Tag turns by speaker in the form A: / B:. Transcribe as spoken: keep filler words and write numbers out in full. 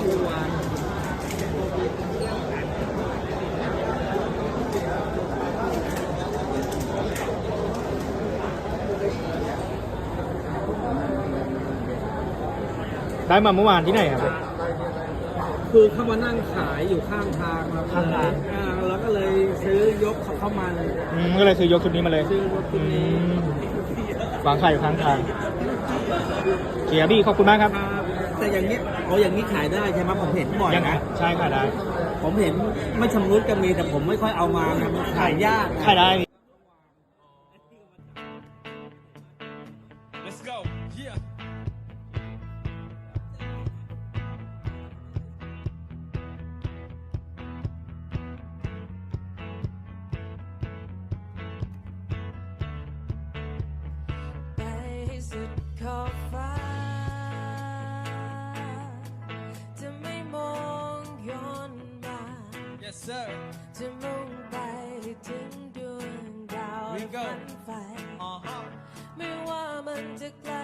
A: เมื่อวาน
B: ได้มาเมื่อวานที่ไหนครับ
A: คือเขามานั่งขายอยู่ข้างทางครับ
B: ข้างทาง
A: อ่าแล้วก็เลยซื้อยกเขาเข้ามาเลย
B: อืมก็เลยซื้อยกชุดนี้มาเลย
A: ซื้อรถคันนี้
B: อืมวางขายอยู่ข้างทางเกียร์บี้ขอบคุณมากครับ
A: ครับแต่อย่างนี้โอ้อย่างนี้ขายได้ใช่ไหมผมเห็นบ่อย
B: ยังไง
A: นะ
B: ใช่ขายได้
A: ผมเห็นไม่ชำรุดก็มีแต่ผมไม่ค่อยเอามานะมันขายยากนะ
B: ขายได้
C: Let's go. Yeah.
D: Basic coffee จะไม่มองย้อนมา
C: Yes, sir.
D: จะมุ่งไปถึงดวงดาว
C: We go
D: ฝันไฟ
C: Uh huh.
D: ไม่ว่ามันจะไกล